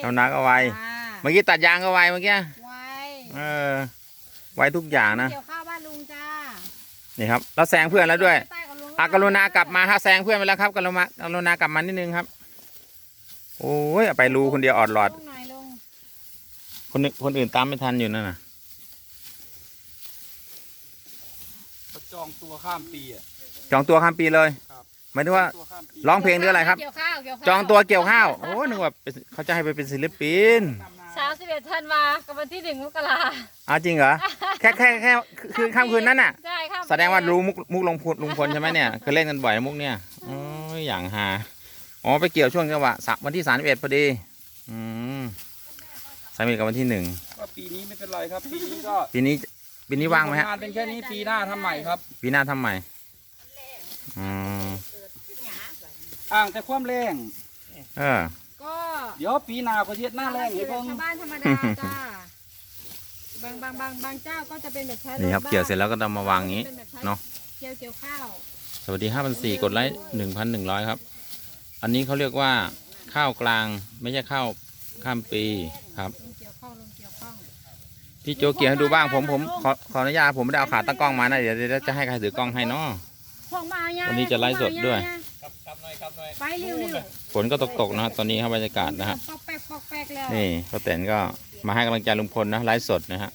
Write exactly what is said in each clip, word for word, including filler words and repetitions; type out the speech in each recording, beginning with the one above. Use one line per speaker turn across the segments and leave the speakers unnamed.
ทำนาก็ไวเมื่อกี้ตัดยางก็ไวเมื่อกี้
ไว
เออไวทุกอย่างนะ
เกี่ยวข้าวบ้านลุงจ้า
นี่ครับเราแซงเพื่อนแล้วด้วยอากรุณากลับมาครับแซงเพื่อนไปแล้วครับกรุณากรุณากลับมานิดนึงครับโอ้ยไปรูคนเดียวออดหลอดคนคนอื่นตามไม่ทันอยู่นั่นน่ะ
จองตัวข้ามปีอ่ะ
จองตัวข้ามปีเลยหมายถึงว่าร้องเพลงหรืออะไรครับจองตัวเกี่ยวข้าวโอ้นึกว่าเขาจะให้ไปเป็นศิลปิน
สามสิบเอ็ดธันวากับวันที่หนึ่งมกรา
อ้าวจริงเหรอแค่แค่แค่คือข้ามคืนนั้นน่ะ
ใช่ครับ
แสดงว่ารู้มุกมุกลงพลลุงพลใช่ไหมเนี่ยเคยเล่นกันบ่อยมุกเนี่ยโอ้ยอย่างฮาอ๋อไปเกี่ยวช่วงจังหวะวันที่สามสิบเอ็ดพอดีอืมสามสิบกับวันที่หนึ่ง
ก็ปีนี้ไม่เป็นไรครับปีนี้ก็
ปีนี้ปีนี้ว่างไหมฮะ
งานเป็นแค่นี้ปีหน้าทำใหม่ครับ
ปีหน้าทำใหม่อืม
อ่างแต่ความแรง
เออ
ก็
เดี๋ยวปีหน้าก็เทียดหน้าแรงให้เพิ่ง
ชาวบ้านธรรมดาจ้าบางบางบางบางเจ้าก็จะเป็นแบบใช้
นี่ครับเกี่ยวเสร็จแล้วก็นำมาวางอย่างนี้เนาะ
เกี่ยวเกี่ยวข้าว
สวัสดีห้าพันสี่กดไลค์หนึ่งพันหนึ่งร้อยครับอันนี้เขาเรียกว่าข้าวกลางไม่ใช่ข้าวข้ามปีครับพี่โจเกี่ยวให้ดูบ้างผมผมขอขออนุญาตผมไม่ได้เอาขาตั้งกล้องมานะเดี๋ยวจะให้ใครถือกล้องให้เนาะวันนี้จะไลฟ์สดด้วย
ไปเร็ว
ฝนก็ตกๆนะตอนนี้ครับบรรยากาศนะฮะนี่ป้าแตนก็มาให้กำลังใจลุงพลนะไลฟ์สดนะฮะ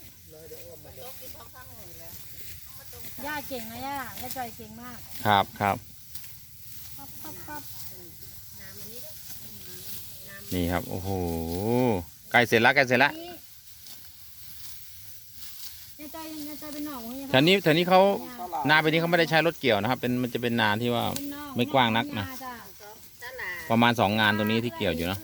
ย่าเก่งนะย่าย่าจอยเก่งมาก
ครับครับนี่ครับโอ้โหใกล้เสร็จแล้วใกล้เสร็จแล้วแถวนี้แถวนี้เขานาไปนี้เขาไม่ได้ใช้รถเกี่ยวนะครับเป็นมันจะเป็นนาที่ว่าไม่กว้างนักนะประมาณสองงานตรงนี้ที่เกี่ยวอยู่เนาะ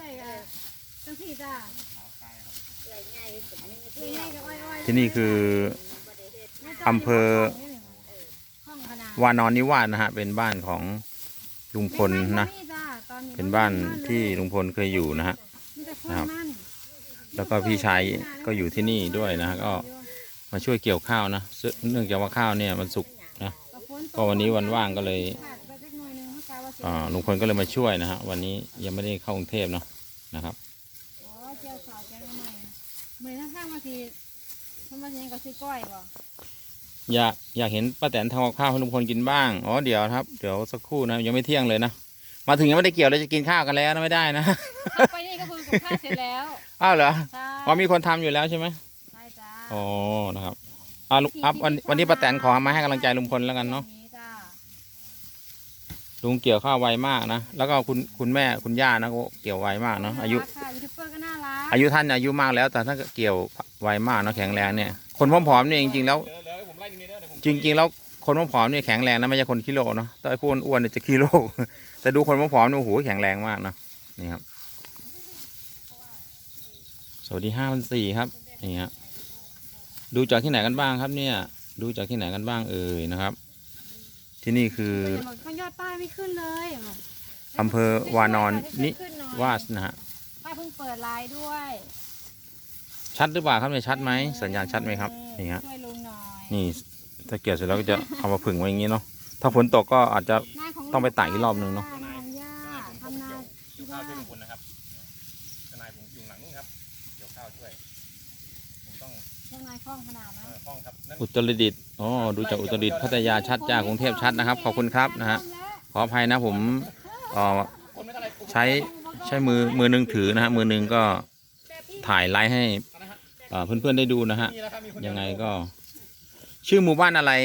ที่นี่คืออำเภอวานอนนิวาสนะฮะเป็นบ้านของลุงพลนะเป็นบ้านที่ลุงพลเคยอยู่นะฮะนะครับแล้วก็พี่ชายก็อยู่ที่นี่ด้วยนะฮะก็มาช่วยเกี่ยวข้าวนะเนื่องจากว่าข้าวเนี่ยมันสุกนะก็วันนี้วันว่างก็เลยลุงพลก็เลยมาช่วยนะฮะวันนี้ยังไม่ได้เข้ากรุงเทพเนาะนะครับอยากอยากเห็นป้าแตนทำกับข้าวให้ลุงพลกินบ้างอ๋อเดี๋ยวครับเดี๋ยวสักครู่นะยังไม่เที่ยงเลยนะมาถึงยังไม่ได้เกี่ยวเลยจะกินข้าวกันแล้วนะไม่ได้นะ
ไปนี่ก็คือกับข้าวเสร็จแล้ว
อ้าวเหรออ๋อมีคนทำอยู่แล้วใช่ไหม
ใช่จ้า
อ๋อนะครับอ่าอัพวันวันนี้ป้าแตนขอมาให้กำลังใจลุงพลแล้วกันเนาะลุงเกี่ยวข้าวไวมากนะแล้วก็คุณคุณแม่คุณย่านะก็เกี่ยวไวมากเนาะอายุอายุท่านอายุมากแล้วแต่ท่านก็เกี่ยวไวมากเนาะแข็งแรงเนี่ยคนผอมๆเนี่ยจริงๆแล้วจริงๆแล้วคนผอมๆเนี่ยแข็งแรงนะไม่ใช่คนกิโลเนาะแต่ไอ้พวกอ้วนเนี่ยจะกิโลแต่ดูคนผอมๆเนี่ยโอ้โหแข็งแรงมากนะนี่ครับสวัสดีห้าพันสี่ครับนี่ฮะดูจากที่ไหนกันบ้างครับเนี่ยดูจากที่ไหนกันบ้างเอ่ยนะครับที่นี่คือย
อดป้ายไม่ขึ้นเลย
อำเภอวานอนนิวาสนะฮะ
ป้าเพิ่งเปิดไลน์ด้วย
ชัดหรือเปล่าครับเนี่ยชัดไหมสัญญาณชัดไหมครับนี่ฮะนี่ถ้าเกี่ยวเสร็จแล้วก็จะเอามาผึ่งไว้อย่างนี้เนาะถ้าฝนตกก็อาจจะต้องไปตากอีกรอบหนึ่งเนาะอุตรดิตถ์อ๋อดูจากอุตรดิตถ์พัทยาชัดจากกรุงเทพชัดนะครับขอบคุณครับนะฮะขออภัยนะผมเอ่อใช้ใช้มือมือหนึ่งถือนะฮะมือหนึ่งก็ถ่ายไลฟ์ให้เพื่อนๆได้ดูนะฮะยังไงก็ชื่อหมู่บ้านอะไร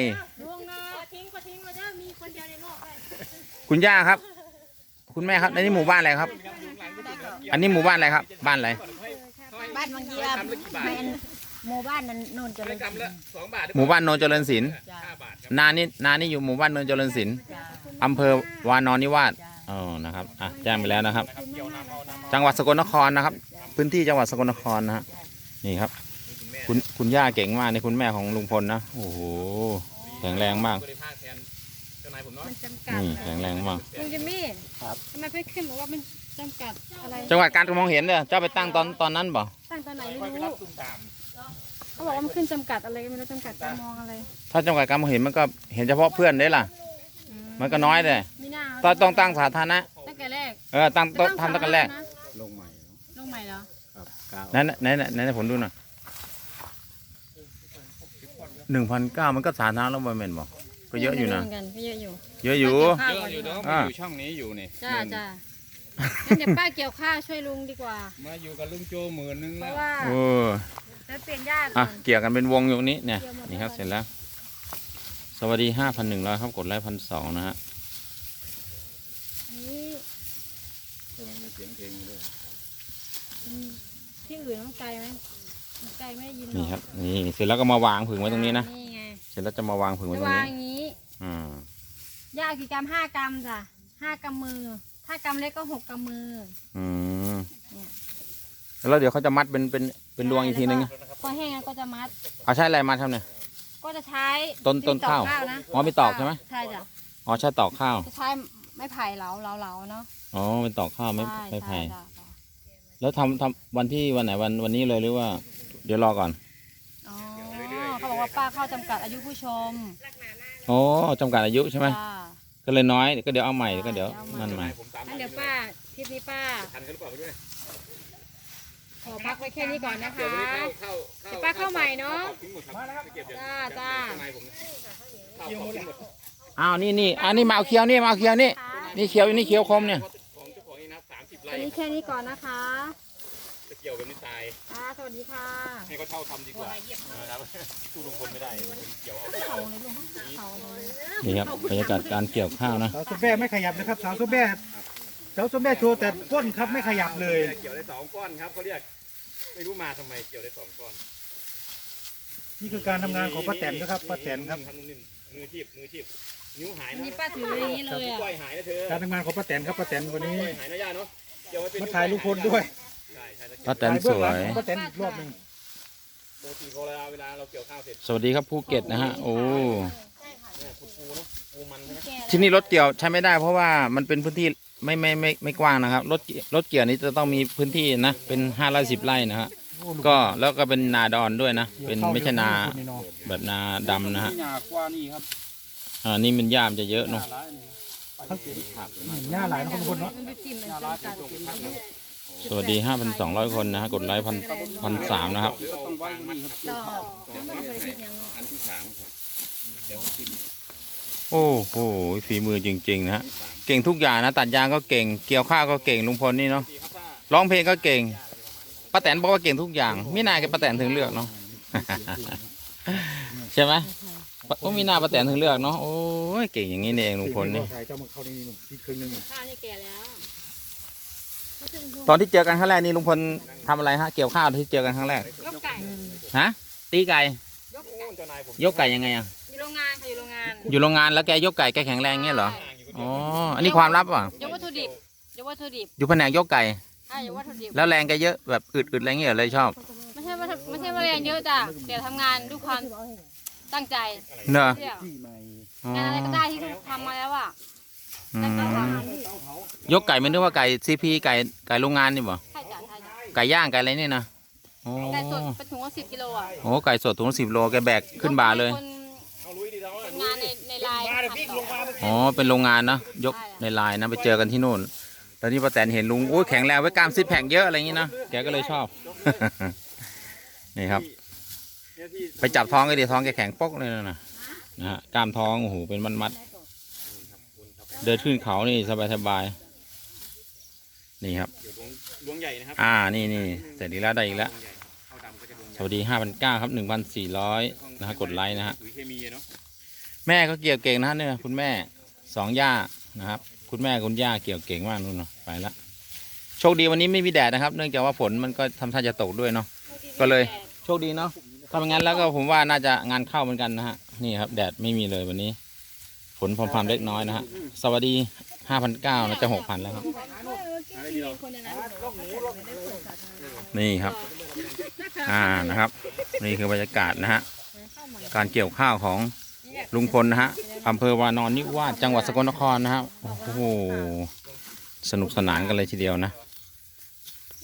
คุณย่าครับคุณแม่ครับในนี้หมู่บ้านอะไรครับอันนี้หมู่บ้านอะไรครับบ้านอะไร
บ้านบางเยี่ยมหมู่บ้านโนนเจริญศิลป์
หมู่บ้านโนนเจริญศิลป์นานี่นานี่อยู่หมู่บ้านโนนเจริญศิลป์อำเภอวานอนนิวาสอ๋อนะครับอ่ะแจ้งไปแล้วนะครับจังหวัดสกลนครนะครับพื้นที่จังหวัดสกลนครนะฮะนี่ครับคุณคุณย่าเก่งมากในคุณแม่ของลุงพลนะโอ้โหแข็งแรงมากนี่แข็งแรงมาก
ลุงจิมมี่ทำไมเพื่อนขึ้นบอกว่ามันจำกัดอะไร
จังหวัดการมองเห็นเนี่ยเจ้าไปตั้งตอนตอนนั้นบ่
ตั้งตอนไหนไม่รู้เขาบอกว่ามันขึ้นจำกัดอะไรไม่รู้จำกัดการมองอะไร
ถ้าจำกัดการมองเห็นมันก็เห็นเฉพาะเพื่อนได้ล่ะมันก็น้อยเลยต้องต้องตั้งสาธารณะ
ตั้งแต่แรก
เออตั้งโต๊ะทำตั้งแต่แรก
ลงใหม่ลงใหม่เหรอ
ครับเก้า
นั่นนั่นนั่นผมดูหน่อยหนึ่งพันเก้ามันก็สาธารณะแล้วบอยแมนบอกก็เยอะอยู่นะ
เหมืกันก็เยอะอยู่
เยอะอยู่
ป้า
เย
เกี่ยว
อะ
ข้าวก่อน
อยู่เนาะมาอยู่ช่องนี้อยู่นี่
จ้าจ้างั้นเดี๋ยวป้าเกี่ยวข้าวช่วยลุงดีกว่า
มาอยู่กับลุงโจหมื่นนึง
เพ
แล้ว
ราะว่า
โอ้
จะเปลี่ยนญาติก่
อ่ะ
อน
เกี่ยวกันเป็นวงอยู่ตรงนี้เนี่ย
เกี่ยวหมด
นี่ครับ
แล้ว
เสร็จแล้ว สวัสดีห้าพันหนึ่งร้อยครับกดไลค์พันสองนะฮะ
อันนี้
มีเสียงเพลงด้วย
อืมที่อื่นต้องไกลไหมไกลไม่ได้ยินหร
นี่
อก
ครับนี่เสร็จแล้วก็มาวางผึ่งไว้ตรงนี้นะ
นี่ไง
เสร็จแล้วจะมาวางผึ่งไว้
จะ
ตรง
วาง
นี้
อย่างนี้
อืม
ยากกี่กรัมห้ากรัมจ้ะห้ากรัมมือ ถ้ากรัมเล็กก็หกกรัมมือ
อืม
เนี่ย
แล้วเดี๋ยวเขาจะมัดเป็นเป็นเป็นรวงอีกทีนึง
แล้วพอแห้งแล้วก็จะมัด
เอาใช้อะไรมัดครับเนี่ย
ก็จะใช้
ต้นต้น
ที่ตอก
ข้าว
นะ
อ๋อมีตอกใช่ไหม
ใช่จ้ะ
อ๋อใช้ตอกข้าว
จะใช้ไม้ไผ่เหลาเหลาเหลาเนาะ
อ๋อเป็นตอกข้าวไม่
ใช่
ไม่ไผ่
ใช่จ้ะจ้ะ
แล้วทำทำวันที่วันไหนวันวันนี้เลยหรือว่า เดี๋ยวรอก่อน
อ๋อเขาบอกว่าป้าเข้าจำกัดอายุผู้ชม
อ๋อจำกัดอายุใช่ไหม
จ้า
ก็เลยน้อยก็เดี๋ยวเอาใหม่ก็เดี๋ยว
เอาใหม่
นั่นใหม่
ผมตาม
งั้นเดี๋ยวป้าทริปนี้ป้า
ทันกันหรือเปล่าไม่รู้เนี่ย
ขอพักไว้แค่นี้ก่อนนะคะ
เดี๋ยวเข้าเข้า
เดี๋ยวป้าเข้าใหม่เนาะ
ทิ้งหมดครับเก็บเดี๋ยว
จ้าจ้า
ข้างในผมเข้าทิ้งหมด
อ้าวนี่นี่อันนี้มาเอาเคี้ยวนี่มาเอาเคี้ยวนี่นี่เคี้ยวอยู่นี่เคี้ยวคมเนี่ย
ของเจ้าของนี่นะสามสิบ
วั
ไร่
นนี้แค่นี้ก่อนนะคะ
จะเกี่ยวแบบนี้ตาย
ค่ะสวัสดีค่ะ
ให้เขาเช่าทำดีกว่านะครับสู้ลุงพลไม่ได้ลุงพลเกี่ยวเอา
เขาเลยลุงเขาเลย
นี่ครับบรรยากาศการเกี่ยวข้าวนะ
สาวส้มแม่ไม่ขยับนะครับสาวส้มแม่สาวส้มแม่โชว์แต่ก้นครับไม่ขยับเลย
เกี่ยวได้สองก้อนครับเขาเรียกไม่รู้มาทำไมเกี่ยวได้สองก้อน
นี่คือการทำงานของป้าแตนนะครับป้าแตนครับ
ทำนุ่มๆมือทีบมือทีบนิ้วหาย
อัน
นะ
นี้ป้าถืออย่างนี้เลยอ่ะ
ก้อยหายนะเธอ
การทำงานของป้าแตนครับป้าแตนวันนี้
ก้อยหายนะย่าเนาะเกี่ยวไว้เป็น
มาถ่ายลุงพลด้วย
ใช่ใช่
ป้าแตนสวย
ของป้าแตนอีกรอบหนึ่ง
ปกติพอเวลาเวลาเราเกี่ยวข้าวเสร็จ
สวัสดีครับภูเก็ตนะฮะโอ้
เนี่ยปูปูเนาะปูมันใช่ไหม
ที่นี่รถเกี่ยวใช้ไม่ได้เพราะว่ามันเป็นพื้นที่ไม่ไม่ไม่ไม่กว้างนะครับรถรถเกี่ยวนี้จะต้องมีพื้นที่นะเป็นห้าไร่สิบไร่นะฮะก็แล้วก็เป็นนาดอนด้วยนะเป็นไม่ใช่นาแบบนาดำนะฮะ
นี่หนากว่านี่ครับ
อ่านี่มันหญ้ามจะเยอะเนาะ
ร้ายนี่
หน้าหลายนะคนคนเนาะ
มันไปจิ้มมันจำกัด
สวัสดีห้าพันสองร้อยคนนะฮะกดไลค์พันพันสามนะครับ
เดี๋ยวต้องไว้นี่ครับ
ต่อไม่ได้คิดยัง
อันที่สามครับเดี๋ยวจิ้ม
โอ้โหฝีมือจริงๆนะฮะเก่งทุกอย่างนะตัดยางก็เก่งเกี่ยวข้าวก็เก่งลุงพลนี่เนาะ
ดีครับถ้า
ร้องเพลงก็เก่งป้าแตนบอกว่าเก่งทุกอย่างไม่น่ากับป้าแตนถึงเลือกเนาะ ใช่ไหมก็มีหน้าป้าแตนถึงเลือกเนาะโอ้ยเก่งอย่างนี้นี่เองลุงพลนี่
ถ่ายเจ้ามาเข้านี่มึงที่ครึ่งหนึง
ข้าวนี่แก่แล้ว
ตอนที่เจอกันครั้งแรกนี่ลุงพลทำอะไรฮะเกี่ยวข้าวที่เจอกันครั้งแรก
ยกไก่
ฮะตีไก่
ยกไก่
เจ้านายผม
ยกไก่ยังไงอ่ะ
อยู่โรงงานค่ะอยู่โรงงาน
อยู่โรงงานแล้วแกยกไก่แกแข็งแรงเงี้ยเหรออ๋ออันนี้ความลับอ่ะ
ยกวัตถุดิบยกวัตถุดิบ
อยู่แผนกยกไก่
ใช่ยกวัตถุดิบ
แล้วแรงแกเยอะแบบอึดๆอะไรเงี้ยเลยชอบ
ไม่ใช่ว่าไม่ใช่ว่าแรงเยอะจ้ะแต่ทำงานด้วยความตั้งใจ
เนอะ
เที่ยว
ที่ใหม่
อ๋อง
านอะไรก็ได้ที่ทำมาแล้วอ่ะ
อื
ตั้งใจ
ม
ทำ
ยกไก่ไม่นึกว่าไก่ซีพีไก่ไก่โรงงานนี่บ่
ใช่จ้ะใช่จ้ะ
ไก่ย่างไก่อะไรนี่นะโอ้
ไก่สดเป็นถุงละสิบกิโลอ่ะ
โหไก่สดถุงสิบโลแกแบกขึ้นบ่าเลย
คน
เอาลุยดีแล้ว
ทำงานในในไลน์ขัดต่อ
อ๋อเป็นโรงงานเนอะยกในไลน์นะไปเจอกันที่นู่นแล้วนี่ป้าแตนเห็นลุงโอ้ยแข็งแรงไว้กล้ามซิปแพคเยอะอะไรอย่างงี้นะแกก็เลยชอบ นี่ครับ ไปจับท้องก็ดีท้องแกแข็งปกเลยนะนะนะฮะกล้ามท้องโอ้โหเป็นมัดๆเดินขึ้นเขานี่สบายๆนี่ครับ
เดี๋ยวล้วงใหญ่นะครับ
อ่านี่นี่เสร็จอีกแล้วได้อีกแล้ว
ข้าวดำก็จะล้วงให
ส
ญ่
วัสดีห้าพันเก้าครับหนึ่งพันสี่ร้อยนะฮะกดไลค์นะฮะ
ปุ๋ยเคมีเนาะ
แม่ก็เกี่ยวเก่งนะฮะเนี่ยคุณแม่สองย่านะครับ คุณแม่คุณย่าเกี่ยวเก่งมากนู่นเนาะไปละโชคดีวันนี้ไม่มีแดดนะครับ เนื่องจากว่าฝนมันก็ทำท่าจะตกด้วยเนาะก็เลยโชคดีเนาะถ้าไม่งั้นแล้วก็ผมว่าน่าจะงานเข้าเหมือนกันนะฮะนี่ครับแดดไม่มีเลยวันนี้ ฝนพรำๆเล็กน้อยนะฮะสวัสดีห้าพันเก้านะจะหกพันแล้วครับ นี่ครับ อ่านะครับ นี่คือบรรยากาศนะฮะการเกี่ยวข้าวของลุงพลนะฮะอำเภอวานอนนิวาสจังหวัดสกลนครนะครับโอ้โหสนุกสนานกันเลยทีเดียวนะ